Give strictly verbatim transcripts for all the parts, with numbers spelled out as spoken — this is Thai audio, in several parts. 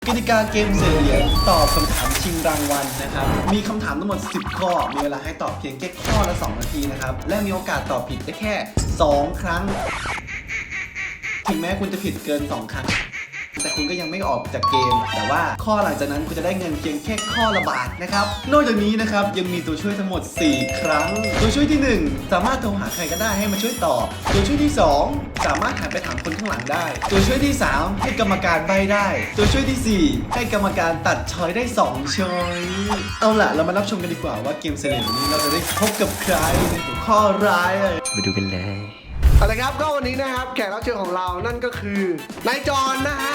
กติกาเกมเสียเหรียญตอบคำถามชิงรางวัลนะครับมีคำถามทั้งหมดสิบข้อมีเวลาให้ตอบเพียงแค่ข้อละสองนาทีนะครับและมีโอกาสตอบผิดได้แค่สองครั้งถึงแม้คุณจะผิดเกินสองครั้งแต่คุณก็ยังไม่ออกจากเกมแต่ว่าข้อหลังจากนั้นคุณจะได้เงินเพียงแค่ข้อละบาทนะครับนอกจากนี้นะครับยังมีตัวช่วยทั้งหมดสี่ครั้งตัวช่วยที่หนึ่งสามารถโทรหาใครก็ได้ให้มาช่วยตอบตัวช่วยที่สองสามารถหันไปถามคนข้างหลังได้ตัวช่วยที่สามให้กรรมการใบ้ได้ตัวช่วยที่สี่ให้กรรมการตัดช้อยได้สองช้อยเอาล่ะเรามารับชมกันดีกว่าว่าเกมเสน่ห์นี้เราจะได้พบกับใครในหัวข้อร้ายไปดูกันเลยเอาละครับก็วันนี้นะครับแขกรับเชิญของเรานั่นก็คือนายจอนนะฮะ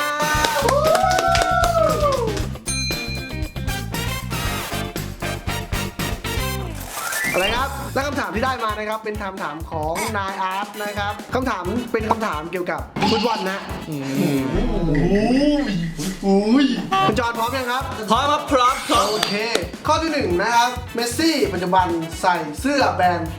อะไรครับและคำถามที่ได้มานะครับเป็นคำถามของนายอาร์ตนะครับคำถามเป็นคำถามเกี่ยวกับฟุตบอลนะคุณจอนพร้อมยังครับพร้อมครับพร้อมครับโอเคข้อที่หนึ่งนะครับเมสซี่ปัจจุบันใส่เสื้อแบรนด์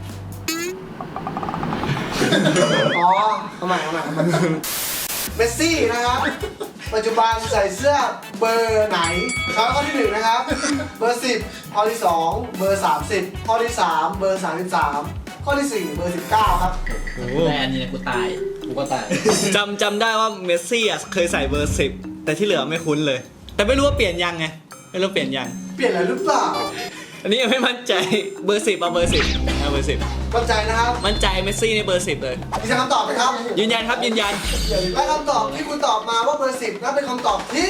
อ๋อทำไมทำไมเมสซี่นะครับปัจจุบันใส่เสื้อเบอร์ไหนช้อยข้อที่หนึ่งนะครับเบอร์สิบข้อที่สองเบอร์สามสิบข้อที่สามเบอร์สามสิบสามข้อที่สี่เบอร์สิบเก้าครับแบรนด์นี่นะกูตายกูก็ตายจำจำได้ว่าเมสซี่อ่ะเคยใส่เบอร์สิบแต่ที่เหลือไม่คุ้นเลยแต่ไม่รู้ว่าเปลี่ยนยังไงไม่รู้เปลี่ยนยังเปลี่ยนอะไรหรือเปล่าอันนี้ยังไม่มั่นใจเบอร์สิบเอาเบอร์สิบเอาเบอร์สิบมั่นใจนะครับมั่นใจเมสซี่ในเบอร์สิบเลยมีคำตอบไหมครับยืนยันครับยืนยันและคำตอบที่คุณตอบมาว่าเบอร์สิบนั่นเป็นคำตอบที่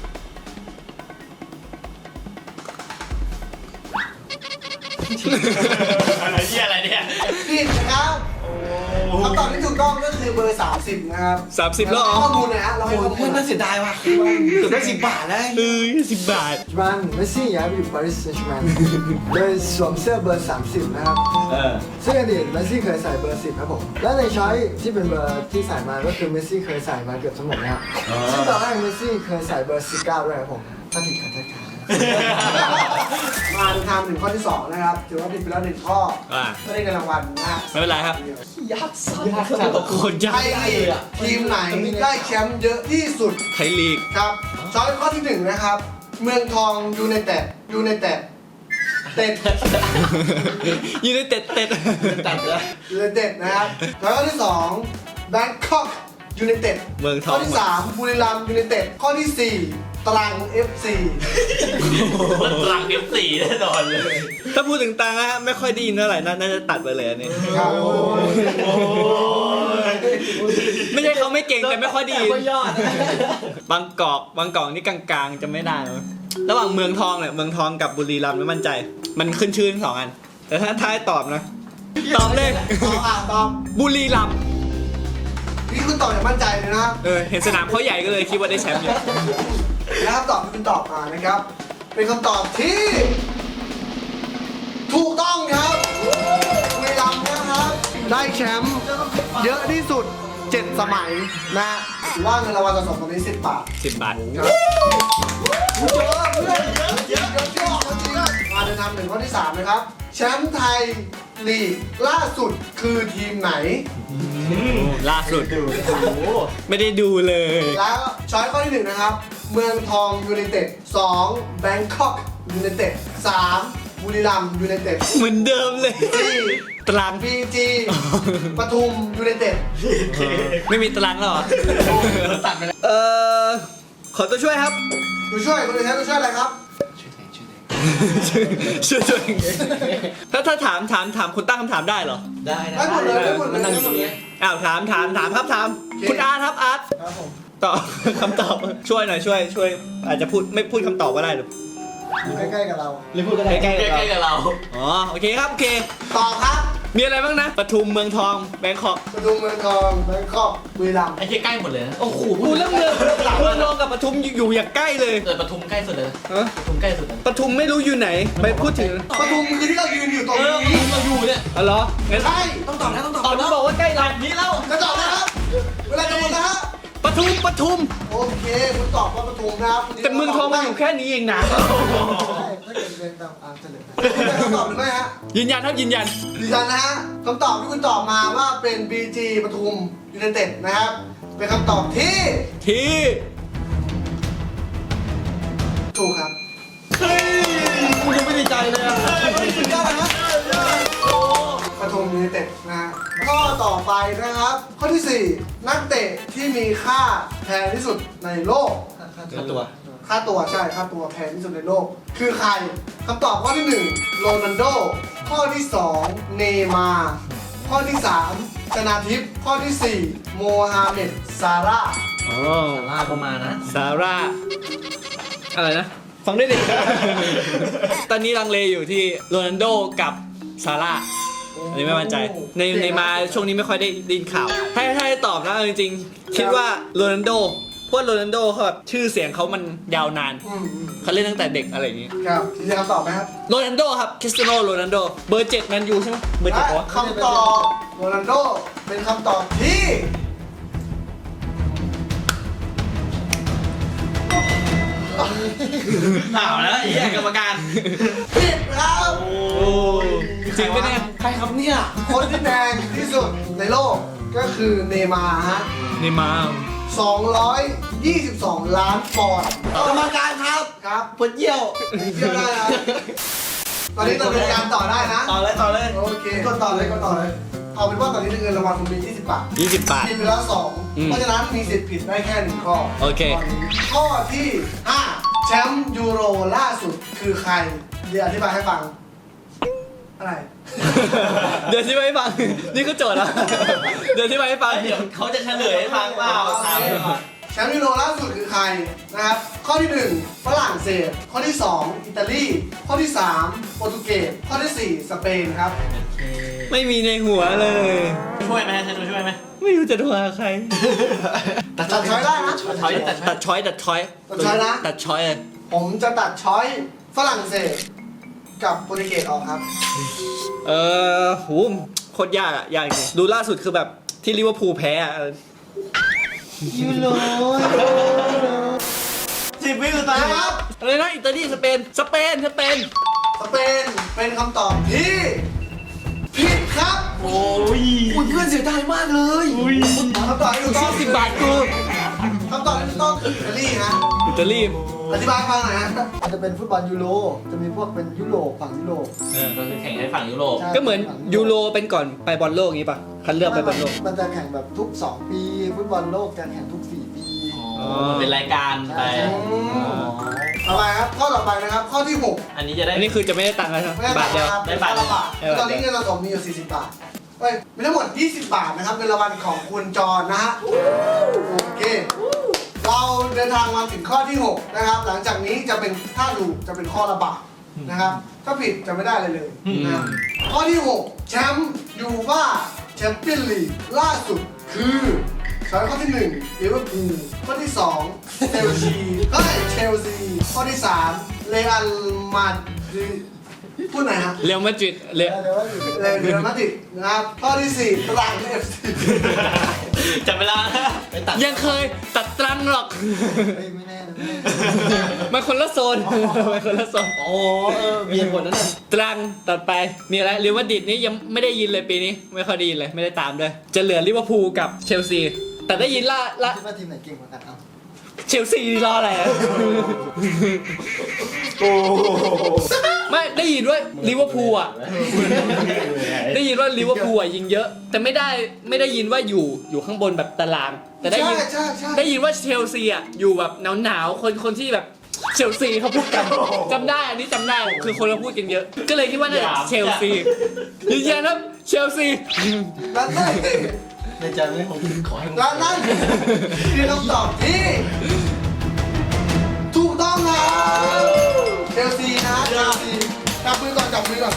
อะไรที่อะไรเนี่ยผิดนะครับคำตอบที่ถูกต้องก็คือเบอร์สามสิบนะครับสามสิบแล้วอ๋อข้อมูลนะฮะเราให้ข้อมูลน่าเสียดายว่ะเกือบได้สิบบาทแล้วเออสิบบาทปัจจุบันเมสซี่ย้ายไปอยู่ปารีสแซงต์แชร์แมงโดยสวมเสื้อเบอร์สามสิบนะครับซึ่งอดีตเมสซี่เคยใส่เบอร์สิบครับผมและในช้อยที่เป็นเบอร์ที่ใส่มาก็คือเมสซี่เคยใส่มาเกือบทั้งหมดนะครับซึ่งตอนแรกเมสซี่เคยใส่เบอร์สิบเก้าด้วยครับผมถ้าผิดขอโทษครับมาดูทำถึงข้อที่สองนะครับถือว่าผิดไปแล้วหนึ่งข้อไม่ได้เงินรางวัลนะไม่เป็นไรครับยากสัยากสักโคตรยากทีมไหนได้แชมป์เยอะที่สุดไทยลีกครับช้อยข้อที่หนึ่งนะครับเมืองทองยูไนเต็ดยูไนเต็ดเต็ดยูไนเต็ดเต็ดตัดแล้วยูไนเต็ดนะครับแล้วข้อที่สองแบงคอกยูไนเต็ดเมืองทองข้อที่สามบุรีรัมย์ยูไนเต็ดข้อที่สี่ตรัง เอฟ ซีตรัง เอฟ ซี แน่นอนเลยถ้าพูดถึงตรังนะฮะไม่ค่อยดีเท่าไหร่น่าจะตัดไปเลยอันนี้ไม่ใช่เขาไม่เก่งแต่ไม่ค่อยดีบางกอกบางกอกนี่กลางๆจะไม่ได้ระหว่างเมืองทองเนี่ยเมืองทองกับบุรีรัมย์ไม่มั่นใจมันขึ้นชื่อทั้งสองอันแต่ถ้าท้ายตอบนะตอบเลยตอบบุรีรัมย์นี่คุณตอบอย่างมั่นใจเลยนะเออเห็นสนามเขาใหญ่ก็เลยคิดว่าได้แชมป์เยอะและคำตอบที่คุณตอบมานะครับเป็นคำตอบที่ถูกต้องครับบุรีรัมย์นะครับได้แชมป์เยอะที่สุดเจ็ดสมัยนะถือว่าเงินรางวัลสะสมตอนนี้สิบบาทสิบบาทครับเยอะเพื่อนเยอะเยอะเยอะจริงมาเดินทางถึงข้อที่สามนะครับแชมป์ไทยลีกล่าสุดคือทีมไหนล่าสุดไม่ได้ดูเลยแล้วช้อยข้อที่หนึ่งนะครับเมืองทองยูไนเต็ดสองแบงคอกยูไนเต็ดสามบุรีรัมย์ยูไนเต็ดเหมือนเดิมเลยสี่ตรังพีจีปทุมยูไนเต็ดไม่มีตรังแล้วเหรอตัดไปแล้วเออขอตัวช่วยครับตัวช่วยคุณจะใช้ตัวช่วยอะไรครับช่วยช่วยถ้าถ้าถามถามถามคุณตั้งคำถามได้เหรอได้ได้หมดเลยได้หมดเลยได้หมดเลยอ้าวถามถามถามครับถามคุณอาร์ตครับอาร์ตครับผมตอบคำตอบช่วยหน่อยช่วยช่วยอาจจะพูดไม่พูดคำตอบก็ได้หรือใกล้ๆกับเราหรือพูดใกล้ๆใกล้ๆกับเราอ๋อโอเคครับโอเคตอบครับมีอะไรบ้างนะปทุมเมืองทองแบงคอกปทุมเมืองทองแบงคอกบุรีรัมย์ไอ้ที่ใกล้หมดเลยโอ้โหพูดเรื่องเมืองเมืองทองกับปทุมอยู่อย่างใกล้เลยเกิดปทุมใกล้สุดเลยปทุมใกล้สุดปทุมไม่รู้อยู่ไหนไปพูดถึงปทุมคือที่เรายืนอยู่ตรงนี้เราอยู่เนี่ยอ๋อเหรองั้นใช่ต้องตอบนะต้องตอบตอนนี้บอกว่าใกล้เรานี้แล้วจะตอบนะครับเวลาจะหมดนะฮะปทุมปทุมโอเคคุณตอบว่าปทุมนะครับแต่เมืองทองมันอยู่แค่นี้เองนะถ้าเกิดเรียนตามอ่านเฉลยคำตอบหรือไม่ฮะยืนยันครับยืนยันยืนยันนะฮะคำตอบที่คุณตอบมาว่าเป็น บี จี ปทุมยูไนเต็ดนะครับเป็นคำตอบที่ที่ถูกครับกูยังไม่ได้ใจเลยอ่ะสุดยอดนะปทุมยูไนเต็ดนะฮะข้อต่อไปนะครับ ข้อที่สี่นักเตะที่มีค่าแพงที่สุดในโลกค่าตัวค่าตัวใช่ค่าตัวแพงที่สุดในโลก คือใครคำตอบข้อที่หนึ่งโรนัลโดข้อที่สองเนย์มาร์ข้อที่สามชนาทิพย์ข้อที่สี่โมฮัมเหม็ดซาร่าห์อ๋อล่าประมาณนะซาร่าอะไรนะ ฟังได้ดิ ตอนนี้ลังเลอยู่ที่โรนัลโดกับซาร่าอันนี้ไม่มั่นใจ ในในมาช่วงนี้ไม่ค่อยได้ไดยินข่าว ถ้าถ้าให้ตอบนะเอาจริงๆ คิดว่าโรนัลโดเพราะโรนัลโดเขาแบบชื่อเสียงเขามันยาวนานอืมอืมเขาเล่นตั้งแต่เด็กอะไรอย่างงี้ครับยืนยันคำตอบไหมครับโรนัลโดครับคริสเตียโนโรนัลโดเบอร์เจ็ดแมนยูใช่ไหมเบอร์เจ็ดและวะคำตอบโรนัลโดเป็นคำตอบที่หนาวแล้วไอ้เหี้ยกรรมการผิดครับโอ้จริงปะเนี่ยใครครับเนี่ยคนที่แพงที่สุดในโลกก็คือเนย์มาร์ฮะนี่มาสองร้อยยี่สิบสอง ล้านปอนด์กรรมการครับครับปวดเยี่ยวเที่ยวได้ครับตอนนี้ดำเนินการต่อได้นะต่อเลยต่อเลยโอเคกดต่อเลยกดต่อเลย เอาเป็นว่าตอนนี้เงินรางวัลคุณมียี่สิบบาทยี่สิบบาทผิดไปแล้วสองอืมเพราะฉะนั้นมีสิทธิ์ผิดได้แค่หนึ่งข้อโอเคตนนี้ข้อที่ห้าแชมป์ยูโรล่าสุดคือใคร เดี๋ยวอธิบายให้ฟัง อะไรเดี๋ยวที่ไปให้ฟัง นี่ก็โจทย์แล้วเดี๋ยวที่ไปให้ฟังเดี๋ยวเขาจะเฉลยให้ฟังเปล่าถามเลยก่อนแชมป์ยูโรล่าสุดคือใครนะครับ ข้อที่หนึ่งฝรั่งเศส ข้อที่สองอิตาลี ข้อที่สามโปรตุเกส ข้อที่สี่สเปนครับไม่มีในหัวเลยช่วยไหมใช่ช่วยไหมไม่รู้จะโทรหาใครตัดช้อยได้นะถอยแต่ตัดช้อยตัดช้อยตัดช้อยนะตัดช้อยเลยผมจะตัดช้อยฝรั่งเศสกับโปรตุเกสออกครับเออโหโคตรยากอะยากจริงดูล่าสุดคือแบบที่ลิเวอร์พูลแพ้อะยูโรสิบวิสุดท้ายนะครับอะไรนะอิตาลีสเปนสเปนสเปนสเปนเป็นคำตอบที่ผิดครับโอ้ยอุ้ยเพื่อนเสียดายมากเลยคำตอบที่ถูกต้องสิบบาทกูคำตอบที่ถูกต้องคืออิตาลีฮะอิตาลีอธิบายให้ฟังหน่อยฮะมันจะเป็นฟุตบอลยูโร จะมีพวกเป็นยุโรปฝั่งยุโรปก็คือแข่งในฝั่งยุโรปใช่ก็เหมือนยูโรเป็นก่อนไปบอลโลกอย่างงี้ป่ะคัดเลือกไปบอลโลกมันจะแข่งแบบทุก สอง ปี ฟุตบอลโลกจะแข่งทุก สี่ ปีอ๋อมันเป็นรายการไปอืมต่อไปครับ ข้อต่อไปนะครับ ข้อที่หกอันนี้จะได้อันนี้คือจะไม่ได้ตังค์แล้วใช่ไหมไม่ได้บาทเดียวครับได้บาทละบาทได้บาทตอนนี้เงินสะสมมีอยู่สี่สิบบาทเอ้ยมีทั้งหมดยี่สิบบาทนะครับเงินรางวัลของคุณจรนะฮะ โอเค เราเดินทางมาถึงข้อที่หกนะครับ หลังจากนี้จะเป็นถ้าถูกจะเป็นข้อละบาทนะครับ ถ้าผิดจะไม่ได้เลยเลยนะข้อที่หกแชมป์ยูฟ่าแชมเปี้ยนลีกล่าสุดคือช้อยข้อที่หนึ่งลิเวอร์พูลข้อที่สองเชลซีเฮ้ยเชลซีข้อที่สามเรอัลมาดริดพูดไหนอยฮะเรอัลมาดริดเรเดี๋ยวว่าอยู่เรอัลมาดริดนะครับข้อที่สี่ตรังเอฟซีจับเวลาไปตัดยังเคยตัดตรังหรอกเฮ้ยไม่แน่นะไม่แน่มันคนละโซนมันคนละโซนโอ้เออมีเหตุผลนั่นน่ะตรังตัดไปมีอะไรเรอัลมาดริดนี่ยังไม่ได้ยินเลยปีนี้ไม่ค่อยได้ยินเลยไม่ได้ตามด้วยจะเหลือลิเวอร์พูลกับเชลซีแต่ได้ยินล่าล่าคิดว่าทีมไหนเก่งกว่ากันเอาเชลซีรออะไรอะไม่ได้ยินว่าลิเวอร์พูลอ่ะได้ยินว่าลิเวอร์พูลอ่ะยิงเยอะ แต่ไม่ได้ไม่ได้ยินว่าอยู่อยู่ข้างบนแบบตาราง แต่ได้ยินใช่ใช่ใช่ได้ยินว่าเชลซีอ่ะอยู่แบบหนาวหนาวๆคนคนที่แบบเชลซีเขาพูดกันจำได้อันนี้จำได้คือคนเราพูดกันเยอะ ก็เลยคิดว่าน่าจะเชลซียืนยันครับเชลซีและนั่นในใจไม่ผมขอให้มึงและนั่นคือคำตอบที่ถูกต้องครับเชลซีนะเชลซีจับมือก่อนจับมือก่อน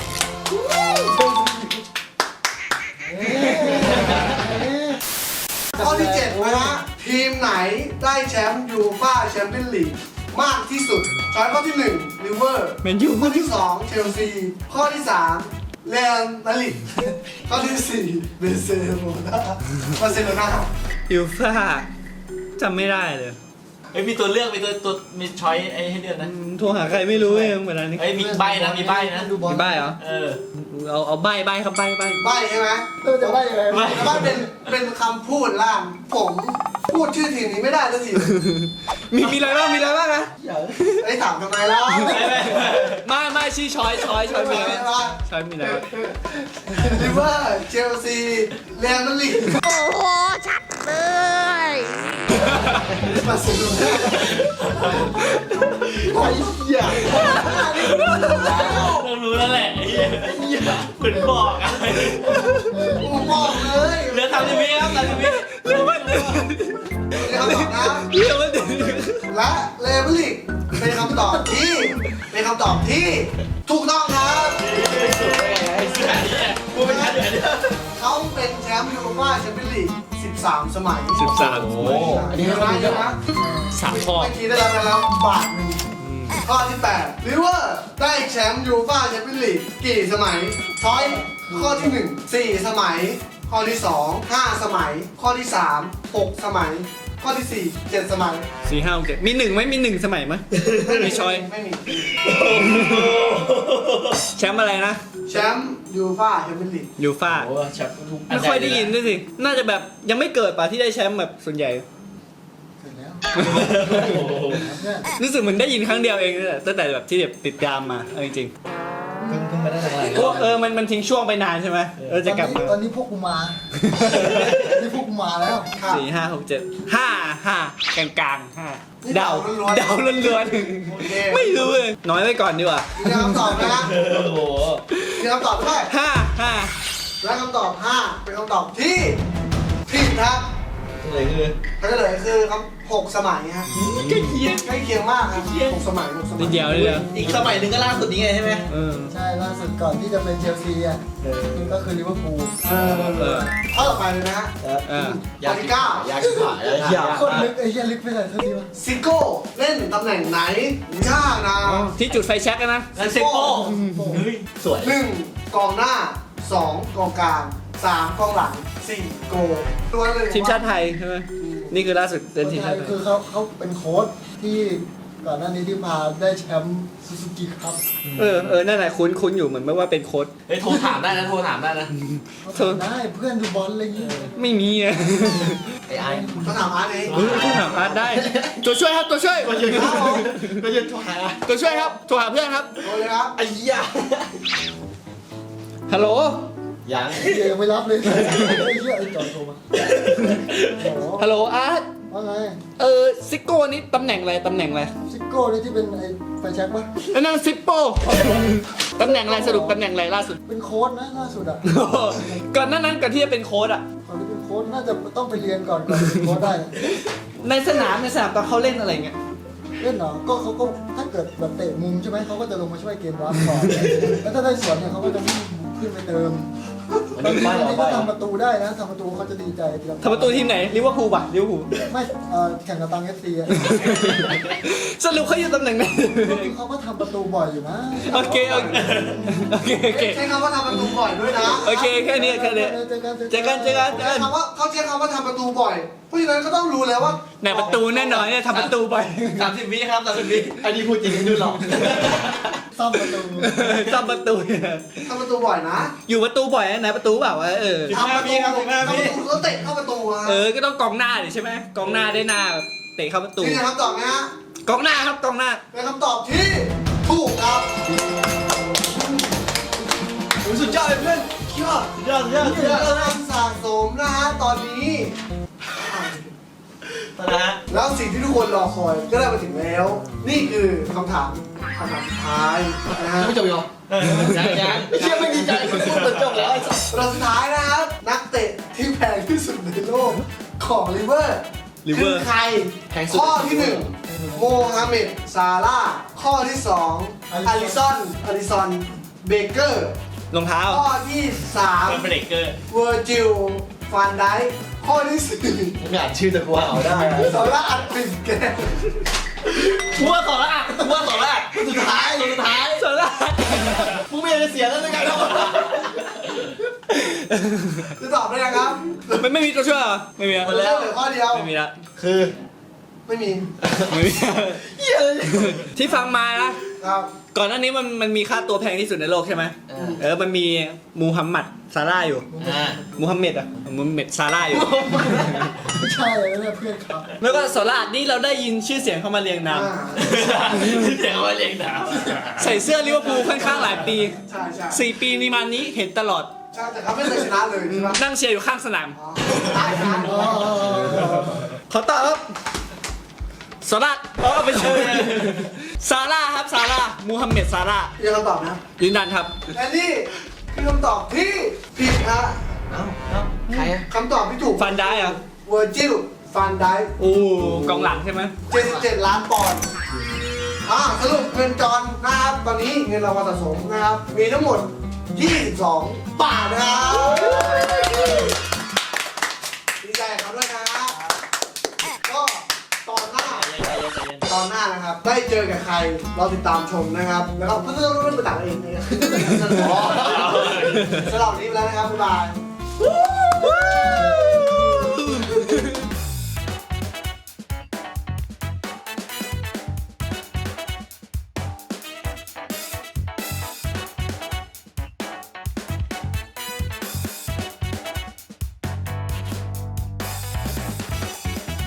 ข้อที่เจ็ดนะฮะทีมไหนได้แชมป์ยูฟ่าแชมเปี้ยนลีกมากที่สุดช้อยข้อที่หนึ่งลิเวอร์แมนยูข้อที่สองเชลซีข้อที่สามเรอัลมาดริดข้อที่สี่เบเซโลนาบาร์เซโลนายูฟ่าจำไม่ได้เลยเอ้ยมีตัวเลือกมีตัวตัวมีช้อยไอ้ให้เลือกนะโทรหาใครไม่รู้เองเหมือนกันนี่เอ้ยมีใบนะมีใบนะดูบอลมีใบเหรอเออเอาเอาใบใบครับใบใบใบใช่ไหมเออจะว่ายังไงไม่แต่ว่าเป็นเป็นคำพูดล่ามผมพูดชื่อทีมนี้ไม่ได้สักทีมีมีอะไรบ้างมีอะไรบ้างนะไอ้ยถามทำไมล่ะไม่ไม่ชี้ช้อยช้อยช้อยมีอะไรไม่บ้างว่าช้อยมีอะไรบ้างลิเวอร์เชลซีเรอัลมาดริดโอ้โห ชัดเลยมาสุดเลยไอ้เหี้ยเรารู้แล้วแหละไอ้เหี้ยเหมือนบอกอะกูบอกเลยเหลือทำทีวีครับทำทีวีเรื่องมันนี่คำตอบนะเรื่องมันและเรอัลมาดริดเป็นคำตอบที่เป็นคำตอบที่ถูกต้องครับกูไม่ทันเดี๋ยวเขาเป็นแชมป์ยูโรป้าแชมเปี้ยนลีกสิบสามสมัยสิบสามอันนี้นะเยอะนะสามข้อเมื่อกี้ได้รับไปแล้วบาทหนึ่งข้อที่แปดลิเวอร์ได้แชมป์ยูโรป้าแชมเปี้ยนลีกกี่สมัยช้อยข้อที่หนึ่งสี่สมัย ข้อที่สองห้าสมัย ข้อที่สามหกสมัย ข้อที่สี่เจ็ดสมัยสี่ห้าหกเจ็ดมีหนึ่งไหมมีหนึ่งสมัยไหมมีช้อยไม่มีแชมป์อะไรนะแชมป์ยูโรป้าแชมเปี้ยนลีกยูฟ่าโอ้แชมป์ทุกไม่ค่อยได้ยินด้วยสิ น่าจะแบบยังไม่เกิดป่ะที่ได้แชมป์แบบส่วนใหญ่เสร็จแล้วเนี่ยรู้สึกเหมือนได้ยินครั้งเดียวเองเลยตั้งแต่แบบที่แบบติดตามมาเอาจริงเพิ่งเพิ่งมาได้หลังๆพวกเออมันมันทิ้งช่วงไปนานใช่ไหมเออจะกลับมาตอนนี้พวกกูมา นี่พวกกูมาแล้วครับสี่ห้าหกเจ็ดห้าห้ากลางกลางๆห้านี่เดาเดาล้วนๆเดาล้วนโอเคๆไม่รู้เลยน้อยไว้ก่อนดีกว่ามีคำตอบนะโอ้โหมีคำตอบด้วยห้าห้าและคำตอบห้าเป็นคำตอบที่ผิดครับเลยคือเขาจะเลยคือคำหกสมัยฮะใกล้เคียงใกล้เคียงมากครับหกสมัยหกสมันิยดเดียวนิดเดียวอีกสมัยหนึ่งก็ล่าสุดนี้ไงใช่ไหมเออใช่ล่าสุดก่อนที่จะเป็นเชลซีอ่ะก็คือลิเวอร์พูลเออเออข้อต่อไปเลยนะฮะเออข้อที่เก้าอยากชิบหายอยากโคตรลึกไอ้เหี้ยลึกไปเลยเท่าทีวะซิโก้เล่นตำแหน่งไหนยากนะที่จุดไฟแช็กอะนะแล้วเซโป้เฮ้ยสวยหนึ่งกองหน้าสองกองกลางสามกองหลังสี่โกตัวเลยทีมชาติไทยใช่ไหมนี่คือล่าสุดเป็นทีมชาติไทยคือเขาเขาเป็นโค้ชที่ก่อนหน้านี้ที่พาได้แชมป์ซูซูกิครับเออเออนั่นแหละคุ้นคุ้นอยู่เหมือนไม่ว่าเป็นโค้ชเฮ้ยโทรถามได้นะโทรถามได้นะเขาทำได้เพื่อนดูบอลอะไรอย่างเงี้ยไม่มีอะไอ้ไอ้เขาถามอาร์ตเองเออต้องถามอาร์ตได้ ตัวช่วยครับตัวช่วยก็ยืนก็ยืนโทรหาตัวช่วยครับโทรหาเพื่อนครับโดนเลยครับไอ้เหี้ยฮัลโหลยังไอ้เหี้ยยังไม่รับเลยไอ้เหี้ยไอ้จอดโทรมาโอ้โหฮัลโหลอาร์ตว่าไงเออซิโก้นี่ตำแหน่งอะไรตำแหน่งอะไรซิโก้นี่ที่เป็นไอ้ไฟแช็กปะอันนั้นซิปโป้ตำแหน่งอะไรสรุปตำแหน่งอะไรล่าสุดเป็นโค้ชนะล่าสุดอ่ะก่อนหน้านั้นก่อนที่จะเป็นโค้ชอะตอนนี้เป็นโค้ชน่าจะต้องไปเรียนก่อนก่อนเป็นโค้ชได้ในสนามในสนามตอนเขาเล่นอะไรเงี้ยเล่นเหรอก็เขาก็ถ้าเกิดแบบเตะมุมใช่ไหมเขาก็จะลงมาช่วยเกมรับก่อนแล้วถ้าได้สวนเนี่ยเขาก็จะวิ่งขึ้นไปเติมมันบางมีทีป้ายบางเอาทีไปก็ทำประตูได้นะทำประตูเขาจะดีใจทำประตูทีมไหนลิเวอร์พูลป่ะลิเวอร์พูลไม่เอ่อแข่งกับตังเอฟซีอะสรุปเขาอยู่ตำแหน่งไหนเขาก็ทำประตูบ่อยอยู่นะโอเคโอเคโอเคโอเคใช้คำว่าทำประตูบ่อยด้วยนะโอเคแค่นี้แค่นี้เจอกันเจอกันเจอกันเจอใช้กันคำว่าเขาใช้คำว่าทำประตูบ่อย เพราะฉะนั้นก็ต้องรู้แล้วว่าในประตูแน่นอนเนี่ยทำประตูไปสามสิบวิครับสามสิบวิอันนี้พูดจริงดูหรอกซ่อมประตูทำประตูทำประตูบ่อยนะอยู่ประตูบ่อยนะไหนประตูเปล่าวะเออทำประตูทำประตูแล้วเตะเข้าประตูอะเออก็ต้องกองหน้าดิใช่ไหมกองหน้าได้หน้าแบบเตะเข้าประตูนี่นะครับตอบไหมฮะกองหน้าครับกองหน้าเป็นคำตอบที่ถูกครับสุดยอดเลยเพื่อนยอดยอดยอดยอดคะแนนสะสมนะฮะตอนนี้นะฮะแล้วสิ่งที่ทุกคนรอคอยก็ได้มาถึงแล้ว นี่คือคำถามคำถามสุดท้ายนะฮะไม่จบอีกเหรอยังยังเชื่อไม่ดีใจคุณพูดจนจบแล้วไอ้สัสเราสุดท้ายนะครับ นักเตะที่แพงที่สุดในโลกของลิเวอร์ลิเวคือร์ใคร ข้อที่หนึ่งโมฮัมเหม็ดซาร่าห์ข้อที่สองอาริสันอาริสันเบเกอร์รองเท้าข้อที่สามเบรกเกอร์เวอร์จิลฟานไดค์ข้อที่สี่ไม่อ่านชื่อแต่กูเอาได้ซาร่าห์อัดปินแกนกูว่าต่อละอ่ะกูว่าต่อละสุดท้ายสุดท้ายสาระมึงไม่อยากจะเสียแล้วในการทำจะตอบได้ยังครับไม่ไม่มีตัวช่วยเหรอไม่มีอะหมดแล้วเหลือข้อเดียวไม่มีละคือไม่มีไม่มีที่ฟังมานะครับก่อนหน้านี้มันมันมีค่าตัวแพงที่สุดในโลกใช่ไหมเออเออมันมีมูฮัมหมัดซาร่าอยู่อ่ามูฮัมเหม็ดอ่ะมูฮัมเหม็ดซาร่าอยู่ไม่ใช่เลยนะเพื่อนเขาแล้วก็โซล่านี่เราได้ยินชื่อเสียงเข้ามาเรียงนามอ่าเดี๋ยวมาเลี้ยงดาวใส่เสื้อลิเวอร์พูลค่อนข้างหลายปีใช่ใช่สี่ปีนี้มานี้เห็นตลอดใช่แต่เขาไม่เคยชนะเลยใช่ไหมนั่งเชียร์อยู่ข้างสนามอ๋อได้ครับขอตอบครับโซล่าเอาไปเชิญซาร่าครับซาร่ามูฮัมเหม็ดซาร่ายืนคำตอบนะยืนยันครับและนี่คือคำตอบที่ผิดฮะเอ้าเอ้าใครอะคำตอบที่ถูกฟันได้เหรอเวอร์จิลฟันไดโอ้กองหลังใช่ไหมเจ็ดสิบเจ็ดล้านปอนด์อ่าสรุปเงินจอนนะครับตอนนี้เงินรางวัลสะสมนะครับ มีทั้งหมด ยี่สิบสอง บาทนะครับดีใจกับเขาด้วยนะก็ตอนหน้า ตอนหน้านะครับ ได้เจอกับใครเราติดตามชมนะครับ แล้วก็เพื่อนๆรู้เรื่องต่างๆเองนะครับสำหรับวันนี้ไปแล้วนะครับ บ๊ายบาย